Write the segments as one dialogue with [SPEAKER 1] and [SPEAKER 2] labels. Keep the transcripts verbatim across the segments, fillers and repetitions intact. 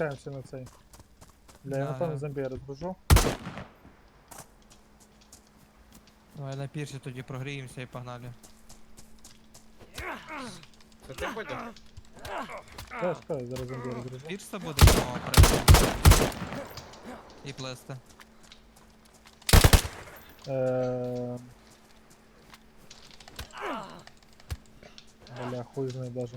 [SPEAKER 1] спускаємося на цей. Бля, я
[SPEAKER 2] Да,
[SPEAKER 1] напевно
[SPEAKER 2] да.
[SPEAKER 1] зомбі розбужу.
[SPEAKER 2] Давай на пірсі тоді прогріємося і погнали.
[SPEAKER 3] Це ти будеш?
[SPEAKER 1] Чекай, чекай, зараз зомбі розбужу.
[SPEAKER 2] Пірса буде мова прийти. І плести.
[SPEAKER 1] Эээ... Бля, хуй знає даже.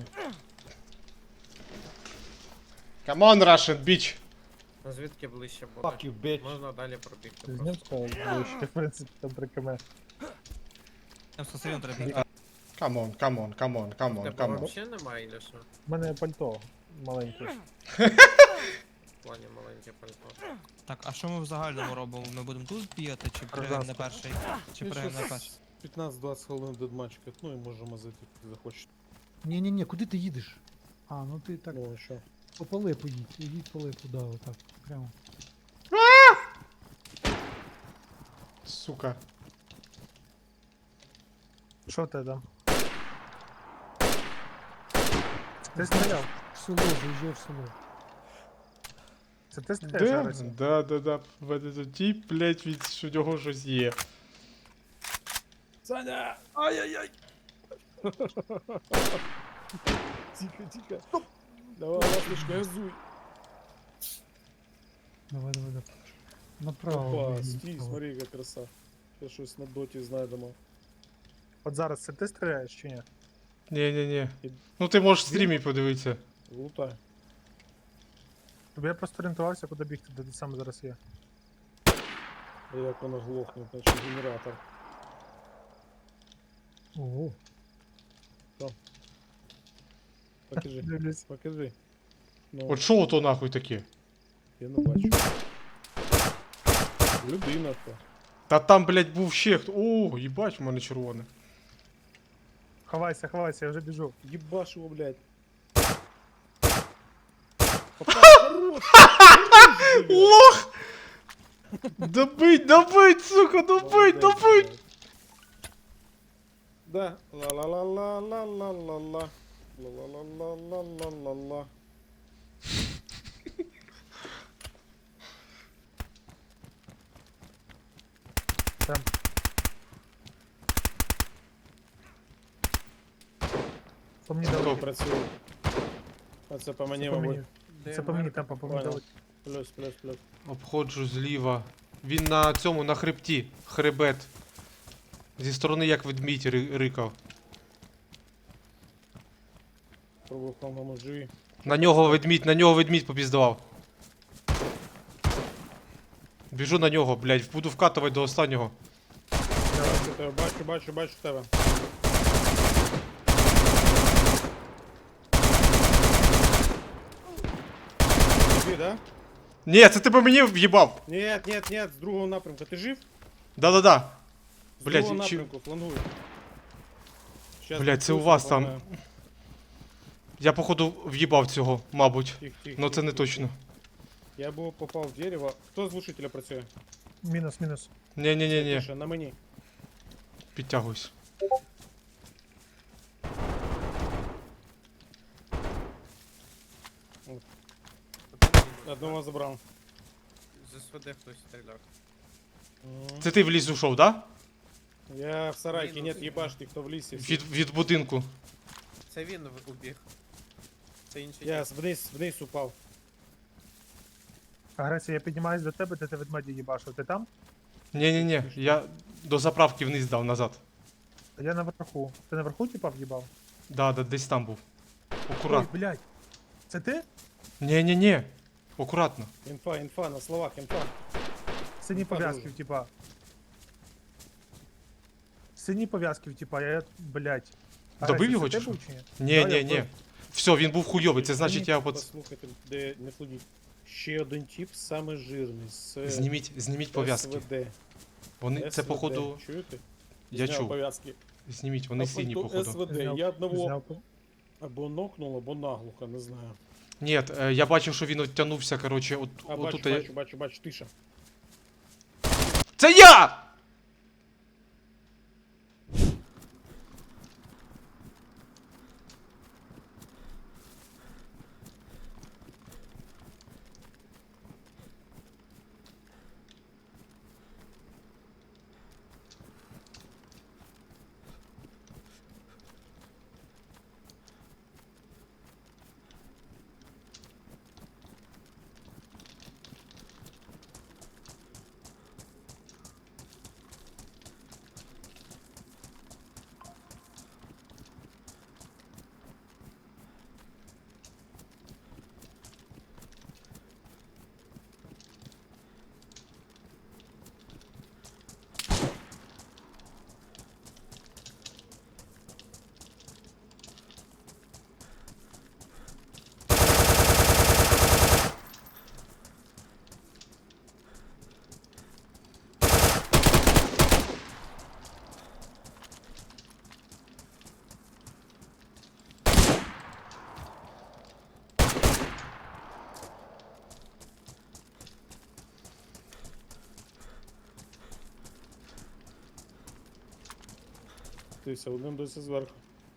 [SPEAKER 4] Come on, Russian bitch.
[SPEAKER 3] Ну звідки ближче буде?
[SPEAKER 5] Fuck you, bitch.
[SPEAKER 3] Можна далі пробігти
[SPEAKER 1] З
[SPEAKER 3] просто.
[SPEAKER 1] ним сказав, що в принципі там при КМ.
[SPEAKER 2] Там сосивін треба бігти.
[SPEAKER 4] Come on, come on, come on, come on,
[SPEAKER 3] Тебе
[SPEAKER 4] come on.
[SPEAKER 3] взагалі немає, чи що?
[SPEAKER 1] У мене пальто маленьке.
[SPEAKER 3] В плані маленьке пальто.
[SPEAKER 2] Так, а що ми в загальному робимо? Ми будемо тут бігати, чи пригаємо на перший? Чи
[SPEAKER 5] Ну,
[SPEAKER 2] пригаємо на
[SPEAKER 5] щас
[SPEAKER 2] перший?
[SPEAKER 5] п'ятнадцять-двадцять хвилин дедматч катну і можемо зайти, куди захочеш.
[SPEAKER 6] Ні-ні-ні, куди ти їдеш? А, ну ти так
[SPEAKER 5] Ну, а що?
[SPEAKER 6] по полипу їдь, їдь по липу, да, отак, прямо.
[SPEAKER 4] Сука.
[SPEAKER 1] Що ти там? Ти стріляв?
[SPEAKER 6] В село, заїжджай в село.
[SPEAKER 1] Це ти стріляєш
[SPEAKER 4] Да,
[SPEAKER 1] зараз?
[SPEAKER 4] да, да, да. В мене тут тіп, блять, від що у нього щось є.
[SPEAKER 5] Саня! Ай-яй-яй! Тихо, тихо. Давай, ласточка, газуй.
[SPEAKER 6] Давай, давай, давай. Направо.
[SPEAKER 5] Опа,
[SPEAKER 6] їдь,
[SPEAKER 5] стій,
[SPEAKER 6] направо.
[SPEAKER 5] смотри, яка краса. Ще щось на доті знайдемо.
[SPEAKER 1] От зараз це ти стріляєш чи ні?
[SPEAKER 4] Ні-ні-ні. Ну ти можеш в стрімі подивитися.
[SPEAKER 5] Лутай.
[SPEAKER 1] Тобі я просто орієнтувався, куди бігти, де ти саме зараз є.
[SPEAKER 5] А як вона глохне, значить генератор.
[SPEAKER 6] Ого.
[SPEAKER 5] Покажи,
[SPEAKER 1] Дивлюсь.
[SPEAKER 5] покажи. Ну,
[SPEAKER 4] От що ото нахуй таке?
[SPEAKER 5] я не бачу. Людина то.
[SPEAKER 4] Та там, блять, був ще хто. О, їбать, в мене червоне.
[SPEAKER 1] Ховайся, ховайся, я вже біжу.
[SPEAKER 5] Ебашь его, блядь. Папа, хорош! Хорош, блядь.
[SPEAKER 4] Лох! Добить, добить, сука, добить,
[SPEAKER 5] Молодець,
[SPEAKER 4] добить!
[SPEAKER 5] блядь. Да. Ла-ла-ла-ла-ла-ла-ла-ла. Ла-ла-ла-ла-ла-ла-ла.
[SPEAKER 1] Там. По мені
[SPEAKER 4] Стоп.
[SPEAKER 1] дали.
[SPEAKER 5] Працює. А це по мені,
[SPEAKER 1] Це по
[SPEAKER 5] мабуть.
[SPEAKER 1] мені. Це по мені темпо, по мені
[SPEAKER 5] Понял.
[SPEAKER 1] дали.
[SPEAKER 5] Плюс, плюс, плюс.
[SPEAKER 4] Обходжу зліва. Він на цьому, на хребті. Хребет. Зі сторони як ведмідь ри- рикав.
[SPEAKER 5] Пробую по-моєму живі.
[SPEAKER 4] На нього ведмідь, на нього ведмідь попіздував. Біжу на нього, блядь, буду вкатувати до останнього.
[SPEAKER 5] Бачу тебе, бачу, бачу, бачу тебе. Тобі, да?
[SPEAKER 4] Ні, це ти по мені в'їбав.
[SPEAKER 5] Нет, нет, нет, з другого напрямку. Ти жив?
[SPEAKER 4] Да-да-да.
[SPEAKER 5] З
[SPEAKER 4] Блядь,
[SPEAKER 5] другого
[SPEAKER 4] чи-
[SPEAKER 5] напрямку, флангуй. Щас
[SPEAKER 4] Блядь, це у
[SPEAKER 5] відпустю,
[SPEAKER 4] вас там.
[SPEAKER 5] погнаю.
[SPEAKER 4] Я походу в'їбав цього, мабуть.
[SPEAKER 5] Тих, тих,
[SPEAKER 4] Ну
[SPEAKER 5] тих,
[SPEAKER 4] це не
[SPEAKER 5] тих,
[SPEAKER 4] точно.
[SPEAKER 5] тих. Я був попав в дерево. Хто з глушителя працює?
[SPEAKER 1] Мінус, мінус.
[SPEAKER 4] Ні-ні-ні-ні,
[SPEAKER 5] Тише, на мені.
[SPEAKER 4] підтягуюсь.
[SPEAKER 5] Одного забрав.
[SPEAKER 3] З СВД хтось стріляв.
[SPEAKER 5] Мгм.
[SPEAKER 4] Це ти в ліс ушов, да?
[SPEAKER 5] Я в сарайке,
[SPEAKER 3] Мінус.
[SPEAKER 5] нет, ебашьте, хто в лісі. всі.
[SPEAKER 4] Від, від будинку.
[SPEAKER 3] Це він в- убіг. Це інший.
[SPEAKER 5] Я
[SPEAKER 3] тип.
[SPEAKER 5] вниз, вниз упав.
[SPEAKER 1] Агресія, я піднімаюсь до тебе, де ти ведмеді їбашив. Ти там?
[SPEAKER 4] Ні-ні-ні, я до заправки вниз дав назад.
[SPEAKER 1] А я наверху. Ти наверху типа в'їбав?
[SPEAKER 4] Да, да, десь там був.
[SPEAKER 1] Ой,
[SPEAKER 4] Акурат.
[SPEAKER 1] блядь. Це ти?
[SPEAKER 4] Ні-ні-ні. Акуратно.
[SPEAKER 5] Інфа, інфа, на словах, інфа.
[SPEAKER 1] Сині
[SPEAKER 5] Інфа
[SPEAKER 1] пов'язки,
[SPEAKER 5] дуже.
[SPEAKER 1] типа. Сині пов'язки, типа, я, блядь.
[SPEAKER 4] Добив
[SPEAKER 1] Агресія,
[SPEAKER 4] його
[SPEAKER 1] це
[SPEAKER 4] чи
[SPEAKER 1] ти
[SPEAKER 4] що?
[SPEAKER 1] був чи ні?
[SPEAKER 4] Ні-ні-ні.
[SPEAKER 1] вбив.
[SPEAKER 4] Все, він був хуйовий, це значить я от...
[SPEAKER 5] Послухайте, де не плодіть. Ще один тип, саме жирний, з
[SPEAKER 4] Зніміть, зніміть пов'язки.
[SPEAKER 5] СВД.
[SPEAKER 4] Вони, це
[SPEAKER 5] СВД.
[SPEAKER 4] походу...
[SPEAKER 5] Чуєте?
[SPEAKER 4] Я
[SPEAKER 5] Зняв
[SPEAKER 4] чув.
[SPEAKER 5] пов'язки.
[SPEAKER 4] Зніміть, вони
[SPEAKER 5] А
[SPEAKER 4] сині,
[SPEAKER 5] пальто
[SPEAKER 4] походу.
[SPEAKER 5] СВД,
[SPEAKER 1] Зняв,
[SPEAKER 5] я одного
[SPEAKER 1] зняв.
[SPEAKER 5] або нокнув, або наглухо, не знаю.
[SPEAKER 4] Ні, е, я бачив, що він оттягнувся, коротше, от,
[SPEAKER 5] А, бачу,
[SPEAKER 4] отут. я-
[SPEAKER 5] бачу, бачу, бачу, тиша.
[SPEAKER 4] Це я!
[SPEAKER 5] спустився, один досі зверху.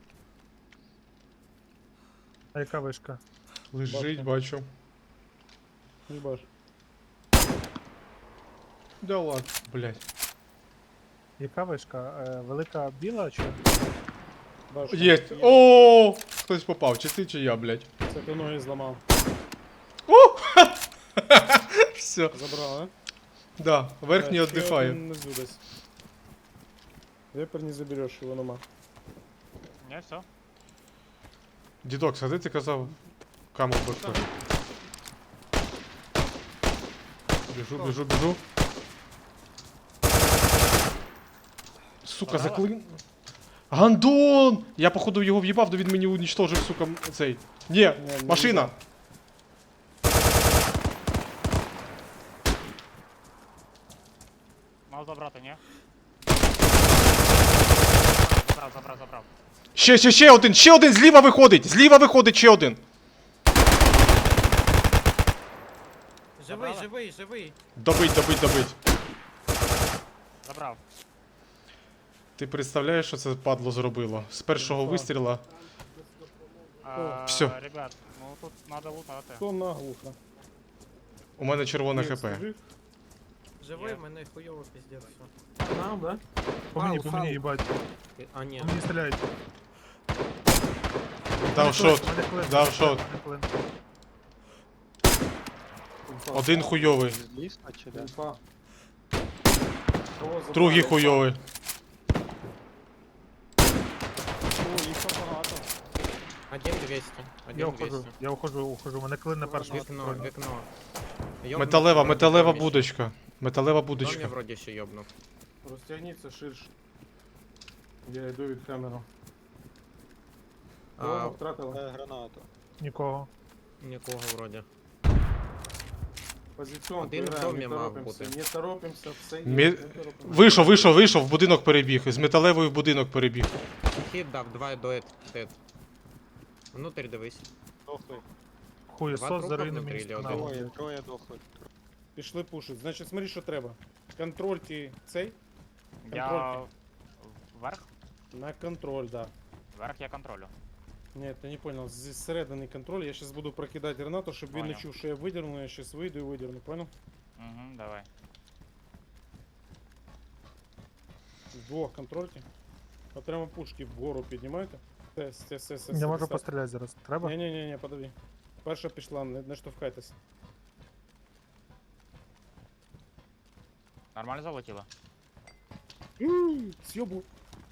[SPEAKER 1] А яка вишка?
[SPEAKER 4] Лежить, бачу.
[SPEAKER 5] Не бачу.
[SPEAKER 4] Да ладно, блядь.
[SPEAKER 1] Яка вишка? Е, велика біла чи?
[SPEAKER 5] Бачу.
[SPEAKER 4] Єсть. О, хтось попав, чи ти, чи я, блядь.
[SPEAKER 5] Це ти ноги зламав.
[SPEAKER 4] Все.
[SPEAKER 5] Забрав, а?
[SPEAKER 4] Да, верхній
[SPEAKER 5] Да, ще
[SPEAKER 4] віддихає.
[SPEAKER 5] один внизу десь. Вепер не забереш, його нема.
[SPEAKER 7] Не, все.
[SPEAKER 4] Дідок, а де ти казав? Каму башка. Біжу, біжу, біжу. Сука,
[SPEAKER 7] Подала?
[SPEAKER 4] заклин... Гандон! Я походу його в'їбав, то він мені унічтожив, сука, м- цей. Ні,
[SPEAKER 5] не
[SPEAKER 4] машина!
[SPEAKER 7] Мав забрати, ні? Забрав, забрав, забрав.
[SPEAKER 4] Ще, ще, ще один, ще один, зліва виходить! Зліва виходить ще один!
[SPEAKER 3] Живий,
[SPEAKER 7] Забрала?
[SPEAKER 3] живий, живий.
[SPEAKER 4] Добить, добить, добить.
[SPEAKER 7] Забрав.
[SPEAKER 4] Ти представляєш, що це падло зробило? З першого
[SPEAKER 5] Так.
[SPEAKER 4] вистріла.
[SPEAKER 7] А,
[SPEAKER 4] Всё.
[SPEAKER 7] Ребят, ну тут надо лутати.
[SPEAKER 5] Хто наглухо?
[SPEAKER 4] У мене червоне
[SPEAKER 5] Ні,
[SPEAKER 4] хп.
[SPEAKER 5] скажи.
[SPEAKER 3] Живий,
[SPEAKER 7] Є.
[SPEAKER 3] мене хуйово пиздец все. Нам, да?
[SPEAKER 1] По мені,
[SPEAKER 3] Фау,
[SPEAKER 1] по мені,
[SPEAKER 3] фау.
[SPEAKER 1] їбать.
[SPEAKER 3] А, ні.
[SPEAKER 1] По мені стріляють.
[SPEAKER 4] Дав шот.
[SPEAKER 1] Мене хвилин,
[SPEAKER 4] Дав
[SPEAKER 1] мене
[SPEAKER 4] шот.
[SPEAKER 1] хвилин.
[SPEAKER 4] Один хуйовий.
[SPEAKER 8] Ліска чи де?
[SPEAKER 5] Інфа. Кого забрали?
[SPEAKER 4] Другий хуйовий.
[SPEAKER 5] О, їх там багато.
[SPEAKER 3] Один двісті.
[SPEAKER 1] Я
[SPEAKER 3] Один
[SPEAKER 1] ухожу,
[SPEAKER 3] двісті.
[SPEAKER 1] я ухожу, ухожу. Мене клин на першому.
[SPEAKER 3] Вікно,
[SPEAKER 1] стороні.
[SPEAKER 3] вікно. Йобнув,
[SPEAKER 4] Металева,
[SPEAKER 3] вроді,
[SPEAKER 4] металева
[SPEAKER 3] домі.
[SPEAKER 4] будочка. Металева
[SPEAKER 3] Домі
[SPEAKER 4] будочка.
[SPEAKER 3] вроді ще йобнув.
[SPEAKER 5] Розтягніться ширше. Я йду від камеру.
[SPEAKER 3] А,
[SPEAKER 5] Кого втратили?
[SPEAKER 8] Е, гранату.
[SPEAKER 1] Нікого.
[SPEAKER 3] нікого вроді.
[SPEAKER 5] Позиціон,
[SPEAKER 3] Один в
[SPEAKER 5] граємо,
[SPEAKER 3] домі
[SPEAKER 5] не
[SPEAKER 3] мав
[SPEAKER 5] торопимося,
[SPEAKER 3] бути.
[SPEAKER 5] не торопимося, все є,
[SPEAKER 4] Мі-
[SPEAKER 5] не торопимося.
[SPEAKER 4] Вийшов, вийшов, вийшов, в будинок перебіг. З металевої в будинок перебіг.
[SPEAKER 3] Хід дав, два дед. дед. Внутрь дивись.
[SPEAKER 8] Дохли.
[SPEAKER 1] Хуй,
[SPEAKER 3] Два
[SPEAKER 1] сос
[SPEAKER 3] трупа
[SPEAKER 1] за руїнами
[SPEAKER 3] внутрі,
[SPEAKER 1] міста.
[SPEAKER 3] или
[SPEAKER 1] на
[SPEAKER 3] один?
[SPEAKER 1] вулиці.
[SPEAKER 8] Троє, троє дохли.
[SPEAKER 5] Пішли пушить. Значить, смотри, що треба. Контрольте цей.
[SPEAKER 7] Я
[SPEAKER 5] Контроль.
[SPEAKER 7] вверх?
[SPEAKER 5] На контроль, да.
[SPEAKER 7] Вверх я контролю.
[SPEAKER 5] Ні, ти не понял. Зі середини контроль. Я зараз буду прокидати гранату, щоб він не
[SPEAKER 7] Понял.
[SPEAKER 5] чув, що я видерну, я зараз вийду і видерну, понял?
[SPEAKER 7] Угу, давай.
[SPEAKER 5] Вдвох контрольте. Окремо пушки вгору піднімайте. Все, все, все, все.
[SPEAKER 1] Я можу постріляти зараз. Треба?
[SPEAKER 5] Ні, ні, ні, ні, подожди. Перша пішла, не, не штовхайтеся.
[SPEAKER 7] Нормально залетіло?
[SPEAKER 5] Сьобу.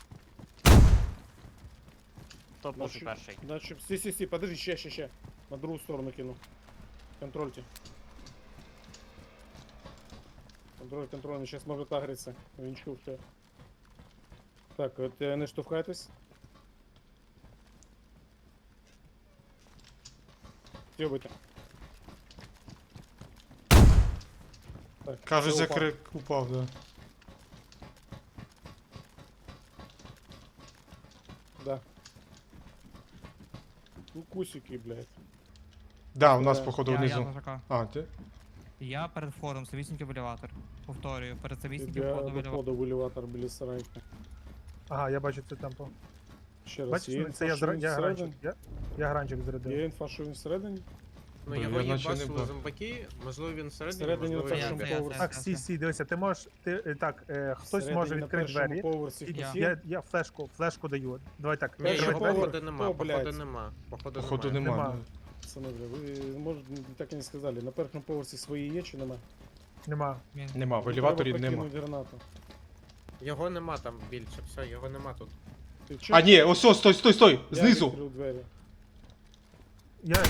[SPEAKER 7] Хто
[SPEAKER 5] Ну,
[SPEAKER 7] пушить
[SPEAKER 5] що-
[SPEAKER 7] перший?
[SPEAKER 5] Значит, сти, сти, сти, подожди, ще, ще, ще. На другу сторону кину. Контрольте. Контроль, контроль, він зараз може тагритися. Він чув, що. Так, от е, не штовхайтесь. Сьобуйте. Так,
[SPEAKER 4] Кажуть,
[SPEAKER 5] все,
[SPEAKER 4] за
[SPEAKER 5] упав.
[SPEAKER 4] крик упав, да.
[SPEAKER 5] Да. Ну, кусики, блядь.
[SPEAKER 4] Да, у нас
[SPEAKER 5] Да.
[SPEAKER 4] походу
[SPEAKER 2] Я, я
[SPEAKER 4] внизу.
[SPEAKER 2] зажака.
[SPEAKER 4] А, ти?
[SPEAKER 2] Я перед входом, самісінький в елеватор. Повторюю, перед самісіньким
[SPEAKER 5] Тебе
[SPEAKER 2] входом в елеватор.
[SPEAKER 5] виходу в елеватор біля сарайка.
[SPEAKER 1] Ага, я бачу це темпо.
[SPEAKER 5] Ще раз,
[SPEAKER 1] Бачиш,
[SPEAKER 5] є
[SPEAKER 1] ну, це
[SPEAKER 5] інфа,
[SPEAKER 1] я,
[SPEAKER 5] що
[SPEAKER 1] зра-
[SPEAKER 5] він
[SPEAKER 1] я гранчик.
[SPEAKER 5] всередині?
[SPEAKER 1] Я, я гранчик зарядив.
[SPEAKER 5] Є інфа, що він всередині?
[SPEAKER 3] Ну
[SPEAKER 4] Блін,
[SPEAKER 3] його
[SPEAKER 4] я наче не
[SPEAKER 3] їбашили
[SPEAKER 4] бачу.
[SPEAKER 3] зомбаки, можливо він всередині,
[SPEAKER 5] Всередині
[SPEAKER 3] можливо
[SPEAKER 5] на
[SPEAKER 3] він
[SPEAKER 5] першому
[SPEAKER 2] це,
[SPEAKER 3] біля.
[SPEAKER 2] це,
[SPEAKER 5] поверсі.
[SPEAKER 1] Так, сі, сі, дивися, ти можеш, ти, е, так, е, хтось
[SPEAKER 5] Всередині
[SPEAKER 1] може
[SPEAKER 5] на
[SPEAKER 1] відкрити
[SPEAKER 5] першому
[SPEAKER 1] двері.
[SPEAKER 5] поверсі
[SPEAKER 1] І-
[SPEAKER 5] хтось
[SPEAKER 2] Я.
[SPEAKER 5] є?
[SPEAKER 1] Я, я флешку, флешку даю. Давай так,
[SPEAKER 3] Ні,
[SPEAKER 5] Перший
[SPEAKER 3] його
[SPEAKER 1] відкривай
[SPEAKER 5] поверх.
[SPEAKER 1] двері.
[SPEAKER 3] походу нема,
[SPEAKER 5] Хто, блядь?
[SPEAKER 3] походу нема. Походу
[SPEAKER 4] Походу
[SPEAKER 3] немає.
[SPEAKER 4] нема.
[SPEAKER 1] Нема.
[SPEAKER 5] Пацани, бля, ви може так і не сказали. На першому поверсі свої є чи нема?
[SPEAKER 1] Нема.
[SPEAKER 2] Він-
[SPEAKER 4] Нема, в
[SPEAKER 5] Треба
[SPEAKER 4] елеваторі нема.
[SPEAKER 5] прокинути гранату.
[SPEAKER 3] Його нема там більше, все, його нема тут.
[SPEAKER 5] Ти
[SPEAKER 4] А,
[SPEAKER 5] чуєш?
[SPEAKER 4] ні, ось, ось, стой, стой, стой!
[SPEAKER 5] Я
[SPEAKER 4] Знизу!
[SPEAKER 5] відкрив двері.
[SPEAKER 1] Я,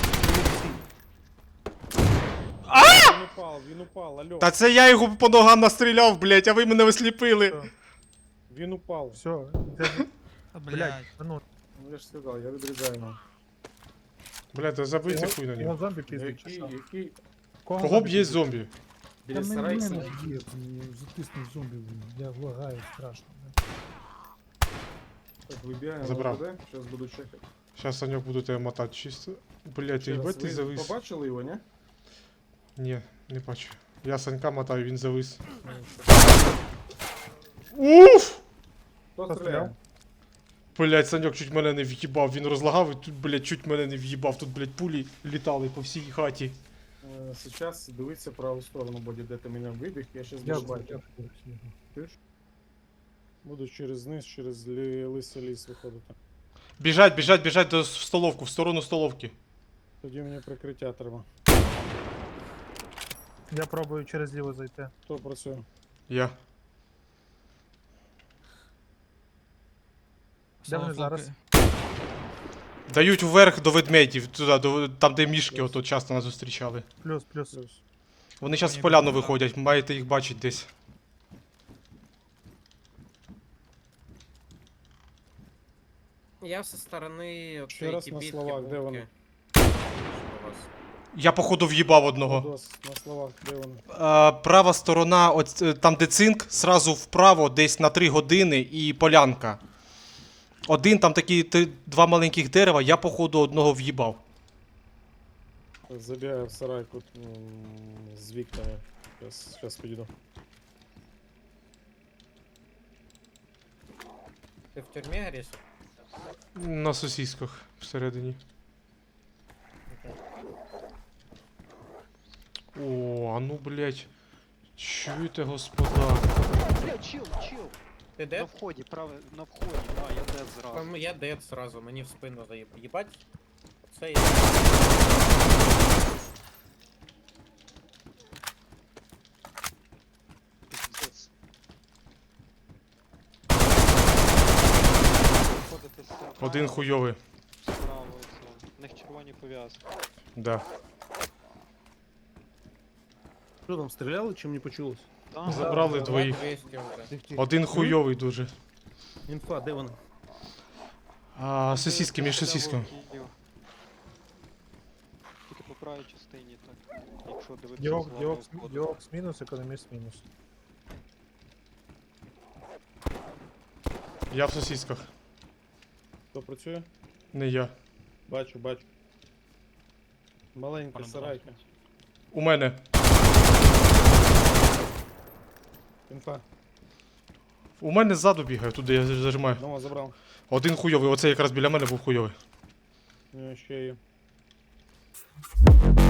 [SPEAKER 5] Він упав, він упав, алло.
[SPEAKER 4] Та це я його по ногам настріляв, блять, а ви мене осліпили.
[SPEAKER 1] все,
[SPEAKER 5] Він упав.
[SPEAKER 1] все, де-
[SPEAKER 2] Та,
[SPEAKER 1] блядь,
[SPEAKER 2] блядь.
[SPEAKER 1] ну,
[SPEAKER 5] Ну я ж сказав, я відрізаю його.
[SPEAKER 4] Блять, та забийте
[SPEAKER 1] його-
[SPEAKER 4] хуй на
[SPEAKER 1] його
[SPEAKER 4] нього.
[SPEAKER 1] зомбі піздить, чи
[SPEAKER 5] Який,
[SPEAKER 1] що?
[SPEAKER 5] який?
[SPEAKER 1] Кого
[SPEAKER 4] Кого б
[SPEAKER 1] зомбі
[SPEAKER 4] є
[SPEAKER 1] піздить?
[SPEAKER 4] зомбі?
[SPEAKER 5] Біля
[SPEAKER 6] Та мене
[SPEAKER 5] сарайка?
[SPEAKER 6] мене б'є, мені затиснув зомбі, блін. Я лагаю страшно. блін.
[SPEAKER 5] Так, вибігаємо.
[SPEAKER 4] Забрав.
[SPEAKER 5] Зараз буду чекати.
[SPEAKER 4] Щас, Саньок, буду тебе мотати чисто. Блять,
[SPEAKER 5] Ще раз,
[SPEAKER 4] їбать ти
[SPEAKER 5] ви
[SPEAKER 4] завис.
[SPEAKER 5] побачили його, ні?
[SPEAKER 4] Ні, не бачу. Я Санька мотаю, він завис. Уф!
[SPEAKER 5] Хто стріляє?
[SPEAKER 1] Хто стріляв?
[SPEAKER 4] Блять, Саньок чуть мене не в'їбав, він розлагав і тут, блять, чуть мене не в'їбав. Тут, блять, пулі літали по всій хаті.
[SPEAKER 5] Е, Сейчас дивиться праву сторону буде, де ти мене вибіг, я щас
[SPEAKER 6] Я
[SPEAKER 5] буду
[SPEAKER 6] бачу,
[SPEAKER 5] бачити.
[SPEAKER 6] я бачу його.
[SPEAKER 5] Чуєш? Буду через низ, через лі... лисий ліс виходити.
[SPEAKER 4] Біжать, біжать, біжать до в столовку, в сторону столовки.
[SPEAKER 5] Тоді мені прикриття треба.
[SPEAKER 1] Я пробую через ліво зайти.
[SPEAKER 5] Хто працює?
[SPEAKER 4] Я.
[SPEAKER 1] Де вони
[SPEAKER 2] Солофоки.
[SPEAKER 1] зараз?
[SPEAKER 4] Дають вверх до ведмедів, туди, до, там де мішки ото часто нас зустрічали.
[SPEAKER 1] Плюс, плюс.
[SPEAKER 5] Плюс.
[SPEAKER 4] Вони зараз
[SPEAKER 2] Мені
[SPEAKER 4] в поляну
[SPEAKER 2] буде,
[SPEAKER 4] виходять, маєте їх бачити десь.
[SPEAKER 3] Я со сторони от
[SPEAKER 5] Ще
[SPEAKER 3] цієї
[SPEAKER 5] раз на
[SPEAKER 3] кибітки,
[SPEAKER 5] словах, де
[SPEAKER 3] будки.
[SPEAKER 5] вони?
[SPEAKER 3] У вас.
[SPEAKER 4] Я походу в'їбав одного.
[SPEAKER 5] Дос, на словах, де вони?
[SPEAKER 4] А, права сторона, от, е, там де цинк, сразу вправо, десь на три години і полянка. Один там такі три, два маленьких дерева, я походу одного в'їбав.
[SPEAKER 5] Забігаю в сарайку м, з вікнами. Зараз, зараз підійду.
[SPEAKER 3] Ти в тюрмі гориш?
[SPEAKER 4] На сосісках всередині. О, а ну блять. Чуєте, господа.
[SPEAKER 8] Бля, чил, чил.
[SPEAKER 3] Ти
[SPEAKER 8] На
[SPEAKER 3] дед?
[SPEAKER 8] вході, праве, на вході, да, я дед зразу.
[SPEAKER 3] Там Я дед сразу, мені в спину заїб. Їбать? Це я.
[SPEAKER 8] Пиздец. Виходите з
[SPEAKER 4] Один хуйовий.
[SPEAKER 8] справа, це. В них червоні пов'язки.
[SPEAKER 4] Да.
[SPEAKER 9] Що там, стріляли, чи мені почулось?
[SPEAKER 8] Там,
[SPEAKER 4] Забрали двоїх.
[SPEAKER 3] двісті вже.
[SPEAKER 6] Тих, тих.
[SPEAKER 4] Один хуйовий дуже.
[SPEAKER 9] Інфа, де вона?
[SPEAKER 4] А, сосиски між сосисками.
[SPEAKER 8] Тільки по правій частині, так. Якщо дивитися
[SPEAKER 1] Діок,
[SPEAKER 8] з
[SPEAKER 1] діок,
[SPEAKER 8] главного входу.
[SPEAKER 1] діокс мінус, економіст мінус.
[SPEAKER 4] Я в сосисках.
[SPEAKER 5] Хто працює?
[SPEAKER 4] Не я.
[SPEAKER 5] Бачу, бачу. Маленька
[SPEAKER 7] Пане
[SPEAKER 5] сарайка.
[SPEAKER 4] У мене.
[SPEAKER 5] Інфа.
[SPEAKER 4] У мене ззаду бігає, туди я зажимаю.
[SPEAKER 5] Одного забрав.
[SPEAKER 4] Один хуйовий, оце якраз біля мене був хуйовий.
[SPEAKER 5] Е, Ще є.